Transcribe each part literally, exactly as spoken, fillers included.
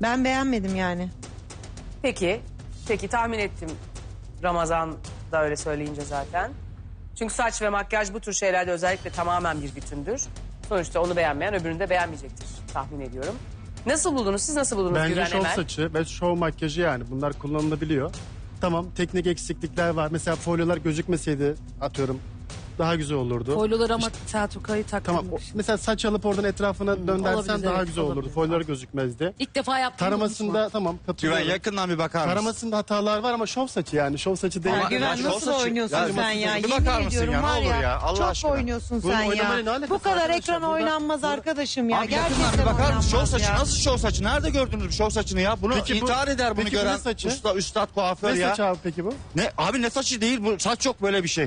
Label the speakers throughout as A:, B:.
A: Ben beğenmedim yani.
B: Peki, peki tahmin ettim. Ramazan da öyle söyleyince zaten. Çünkü saç ve makyaj bu tür şeylerde özellikle tamamen bir bütündür. Sonuçta onu beğenmeyen öbürünü de beğenmeyecektir tahmin ediyorum. Nasıl buldunuz? Siz nasıl buldunuz
C: Bence
B: Güven
C: şov
B: Emel?
C: saçı ve şov makyajı yani bunlar kullanılabiliyor. Tamam teknik eksiklikler var. Mesela folyolar gözükmeseydi atıyorum daha güzel olurdu.
D: Folyolar ama Selçukayı
C: Tamam o-
D: taktırmış.
C: mesela saç alıp oradan etrafına döndersen
D: olabilir,
C: daha
D: evet,
C: güzel olurdu.
D: olabilir.
C: Folyolar gözükmezdi.
D: İlk defa yaptım.
C: Taramasında tamam
E: Güven
C: katılıyorum.
E: yakından bir bakar mısın?
C: Taramasında hatalar var ama şov saçı yani. Şov saçı değil.
A: Ya
E: Ama-
A: Güven
E: ya şov
A: nasıl
E: saçı-
A: oynuyorsun
E: Ya
A: sen ya?
E: bir
A: Yemin
E: bakar mısın
A: ediyorum
E: ya? Ne
A: var
E: olur
A: ya.
E: ya, Allah
A: çok
E: aşkına.
A: oynuyorsun
C: Bunun
A: sen ya.
C: oynamayla ne alakası
A: Bu
C: var
A: kadar
C: arkadaşlar?
A: ekran
C: Burada-
A: oynanmaz arkadaşım ya.
E: Abi yakından
A: Gerçekten
E: bir bakar mısın? Şov
A: oynanmaz
E: saçı
A: ya.
E: nasıl şov saçı? Nerede gördünüz bu şov saçını ya? Bunu
C: Peki bu-
E: intihar eder bunu
C: peki bu ne
E: gören
C: saçı?
E: usta, üstad kuaför
C: Ne
E: ya.
C: saçı abi peki bu?
E: Ne? Abi ne saçı değil bu saç yok böyle bir şey.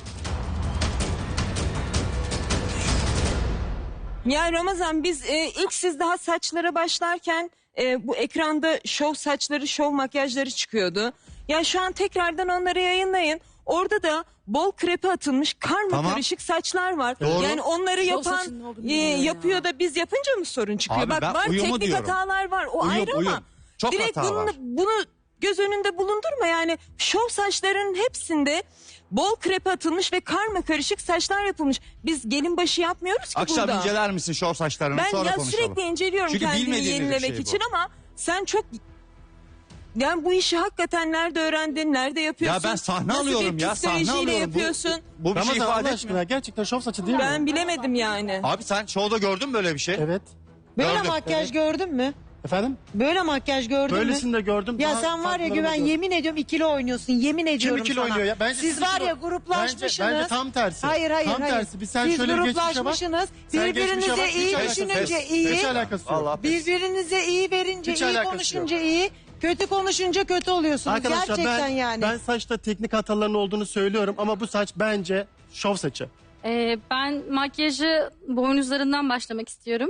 F: Ya Ramazan biz e, ilk siz daha saçlara başlarken e, bu ekranda şov saçları, şov makyajları çıkıyordu. Ya şu an tekrardan onları yayınlayın. Orada da bol krepe atılmış karma
E: Tamam.
F: karışık saçlar var.
E: Doğru.
F: Yani onları
D: Şov
F: yapan
D: saçının olduğunu
F: e,
D: bilmiyorum ya.
F: yapıyor da biz yapınca mı sorun çıkıyor?
E: Abi
F: Bak
E: ben
F: var
E: uyumu
F: teknik
E: diyorum.
F: hatalar var o
E: Uyum,
F: ayrı ama
E: uyum. Çok
F: direkt
E: hata
F: bunu,
E: var.
F: bunu göz önünde bulundurma. Yani şov saçların hepsinde bol krepe atılmış ve karma karışık saçlar yapılmış. Biz gelin başı yapmıyoruz ki
E: Akşam
F: burada.
E: inceler misin şov saçlarını
F: Ben
E: sonra
F: ya
E: konuşalım.
F: sürekli inceliyorum
E: Çünkü
F: kendimi
E: bilmediğimiz bir
F: yenilemek
E: şey bu.
F: için ama sen çok... Yani bu işi hakikaten nerede öğrendin, nerede yapıyorsun?
E: Ya ben sahne
F: Nasıl
E: alıyorum
F: bir
E: ya sahne
F: psikolojiyle
E: alıyorum. Bu-
F: yapıyorsun?
E: Bu, bir şey
C: Ramazan
E: ifade
C: Allah
E: etmiyor.
C: aşkına gerçekten şov saçı değil mi?
F: Ben bilemedim yani.
E: Abi sen şovda gördün mü böyle bir şey?
C: Evet.
A: Böyle
E: Gördüm.
A: makyaj gördün mü?
C: Efendim?
A: Böyle makyaj gördün mü?
C: Böylesini de gördüm.
A: Ya
C: daha
A: sen var ya
C: farklarını
A: Güven
C: gördüm.
A: yemin ediyorum ikili oynuyorsun. Yemin
C: Kim
A: ediyorum
C: ikili
A: sana.
C: oynuyor ya? Bence
A: Siz
C: siz
A: var
C: ikili-
A: ya gruplaşmışsınız.
C: Bence, bence tam tersi.
A: Hayır hayır
C: tam
A: hayır.
C: tersi. Bir sen
A: Siz
C: şöyle bir geçmişe bak.
A: gruplaşmışsınız.
C: Sen geçmişe
A: Birbirinize
C: bak, hiç
A: iyi
C: alakası yok.
A: düşününce iyi.
C: Hiç alakası yok.
E: Allah
A: Birbirinize iyi verince
C: Hiç
A: iyi
C: alakası
A: konuşunca iyi. Kötü konuşunca kötü oluyorsunuz.
C: Arkadaşlar
A: Gerçekten
C: ben,
A: yani.
C: ben saçta teknik hataların olduğunu söylüyorum ama bu saç bence şov saçı.
G: Ee, ben makyajı boynuzlarından başlamak istiyorum.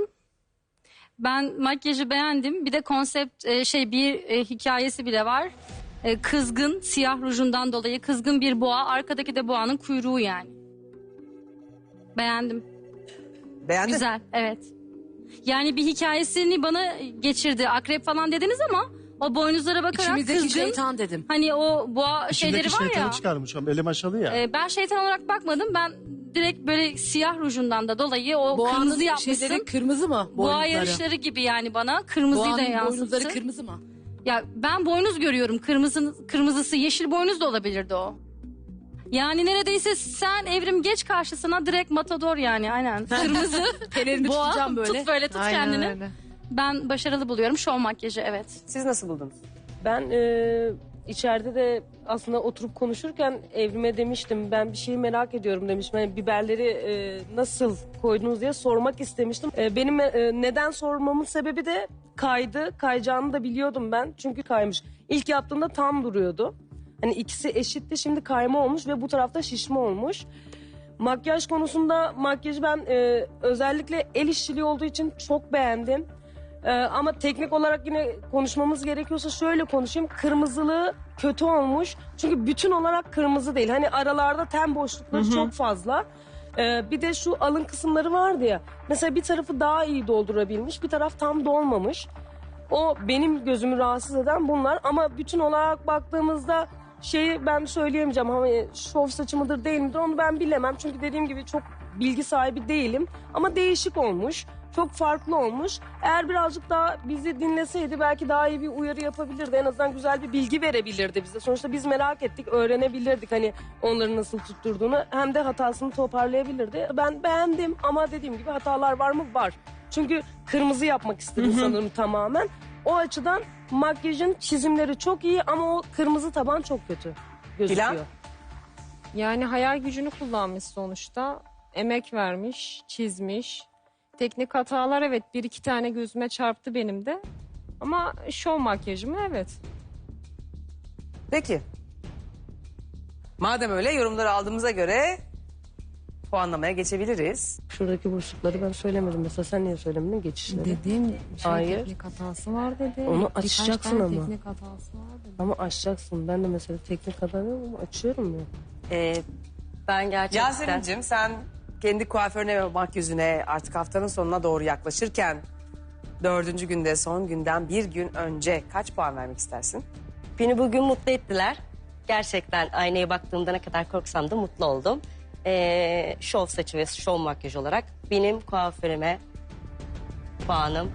G: Ben makyajı beğendim. Bir de konsept e, şey bir e, hikayesi bile var. E, kızgın siyah rujundan dolayı kızgın bir boğa. Arkadaki de boğanın kuyruğu yani. Beğendim.
B: Beğendin?
G: Güzel, evet. Yani bir hikayesini bana geçirdi. Akrep falan dediniz ama o boynuzlara bakarak
D: İçimizdeki
G: kızgın.
D: şeytan dedim.
G: Hani o boğa şeyleri
C: İçindeki
G: var
C: şeytanı
G: ya.
C: çıkarmış ama elim aşalı ya.
G: e, ben şeytan olarak bakmadım. Ben direkt böyle siyah rujundan da dolayı o
D: Boğanın
G: kırmızı yapmışsın.
D: şeyleri kırmızı mı?
G: Boğa
D: Boynuzları.
G: yarışları gibi yani bana. Kırmızıyı da
D: Boğanın
G: yansıttı.
D: boynuzları kırmızı mı?
G: Ya ben boynuz görüyorum. Kırmızı, kırmızısı yeşil boynuz da olabilirdi o. Yani neredeyse sen Evrim geç karşısına direkt matador yani aynen. Kırmızı
D: Pelerini
G: boğa
D: tutacağım böyle.
G: tut böyle tut
A: Aynen
G: kendini.
A: öyle.
G: Ben başarılı buluyorum şov makyajı evet.
B: Siz nasıl buldunuz?
H: Ben e, içeride de aslında oturup konuşurken Evrim'e demiştim. Ben bir şeyi merak ediyorum demiştim. Hani biberleri e, nasıl koydunuz diye sormak istemiştim. E, benim e, neden sormamın sebebi de kaydı. Kayacağını da biliyordum ben. Çünkü kaymış. İlk yaptığımda tam duruyordu. Hani ikisi eşitti. Şimdi kayma olmuş ve bu tarafta şişme olmuş. Makyaj konusunda makyajı ben e, özellikle el işçiliği olduğu için çok beğendim. Ee, ama teknik olarak yine konuşmamız gerekiyorsa şöyle konuşayım. Kırmızılığı kötü olmuş. Çünkü bütün olarak kırmızı değil. Hani aralarda ten boşlukları çok fazla. Ee, bir de şu alın kısımları vardı ya. Mesela bir tarafı daha iyi doldurabilmiş. Bir taraf tam dolmamış. O benim gözümü rahatsız eden bunlar. Ama bütün olarak baktığımızda şeyi ben söyleyemeyeceğim. Hani şov saçı mıdır değil midir onu ben bilemem. Çünkü dediğim gibi çok bilgi sahibi değilim. Ama değişik olmuş. Çok farklı olmuş. Eğer birazcık daha bizi dinleseydi belki daha iyi bir uyarı yapabilirdi. En azından güzel bir bilgi verebilirdi bize. Sonuçta biz merak ettik, öğrenebilirdik hani onları nasıl tutturduğunu. Hem de hatasını toparlayabilirdi. Ben beğendim ama dediğim gibi hatalar var mı? Var. Çünkü kırmızı yapmak istedim sanırım tamamen. O açıdan makyajın çizimleri çok iyi ama o kırmızı taban çok kötü gözüküyor.
B: Dilan?
I: Yani hayal gücünü kullanmış sonuçta. Emek vermiş, çizmiş. Teknik hatalar evet bir iki tane gözüme çarptı benim de. Ama şov makyajı mı evet.
B: Peki. Madem öyle yorumları aldığımıza göre puanlamaya geçebiliriz.
H: Şuradaki boşlukları ben söylemedim. Mesela sen niye söylemedin geçişleri?
I: Dediğim şey
H: Hayır.
I: teknik hatası var dedi.
H: Onu
I: Birkaç
H: açacaksın
I: tane
H: ama.
I: teknik hatası var dedi.
H: Ama açacaksın. Ben de mesela teknik hata diyorum ama açıyorum ya.
J: Ee, ben gerçekten...
B: Yasemin'cim sen kendi kuaförüne ve makyözüne artık haftanın sonuna doğru yaklaşırken Dördüncü günde son günden bir gün önce kaç puan vermek istersin?
J: Beni bugün mutlu ettiler. Gerçekten aynaya baktığımda ne kadar korksam da mutlu oldum. Ee, şov saçı ve şov makyaj olarak benim kuaförüme puanım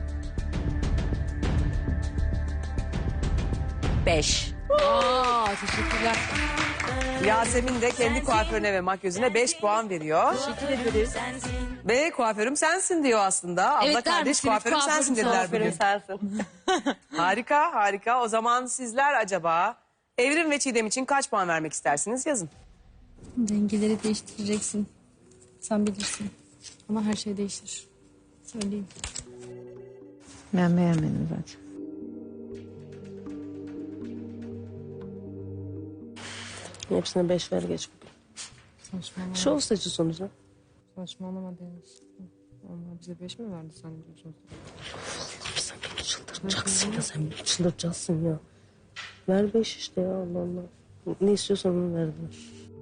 J: beş.
D: Aa, teşekkürler.
B: Yasemin de kendi kuaförüne ve makyözüne beş puan veriyor.
D: Teşekkür ederiz.
B: Ve kuaförüm sensin diyor aslında. Abla
D: Evet, der
B: kardeş
D: misiniz?
B: kuaförüm
D: Kuaförüm
B: sensin dediler
J: Kuaförüm
B: bugün.
J: sensin.
B: Harika harika. O zaman sizler acaba Evrim ve Çiğdem için kaç puan vermek istersiniz yazın.
G: Dengeleri değiştireceksin. Sen bilirsin.
D: Ama her şey değişir. Söyleyeyim.
A: Ben beğenmedim zaten.
H: Hepsine beş ver geç bugün.
D: Saçmalama.
H: Şov saçı sonuçta.
D: Saçmalama Deniz. Onlar bize beş mi verdi sen diyorsun?
H: Sen beni çıldıracaksın ya, sen beni çıldıracaksın ya. Ver beş işte ya, Allah Allah. Ne istiyorsan onu verdiler.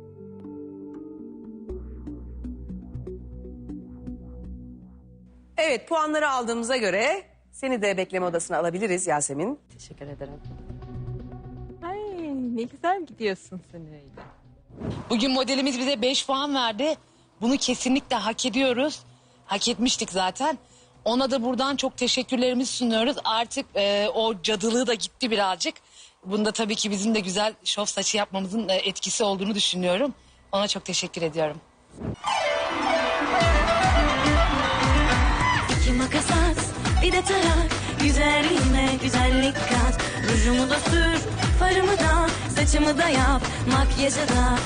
B: Evet puanları aldığımıza göre seni de bekleme odasına alabiliriz Yasemin.
J: Teşekkür ederim.
F: Ay ne güzel gidiyorsun sen öyle.
K: Bugün modelimiz bize beş puan verdi. Bunu kesinlikle hak ediyoruz. Hak etmiştik zaten. Ona da buradan çok teşekkürlerimizi sunuyoruz. Artık e, o cadılığı da gitti birazcık. Bunda tabii ki bizim de güzel şov saçı yapmamızın e, etkisi olduğunu düşünüyorum. Ona çok teşekkür ediyorum.
L: İki makas at, bir de tarak. Güzelliğime güzellik kat. Rujumu da sür, farımı da, saçımı da yap. Makyajı da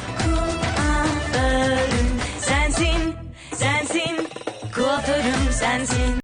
L: kuaförüm sensin, sensin. Kuaförüm sensin.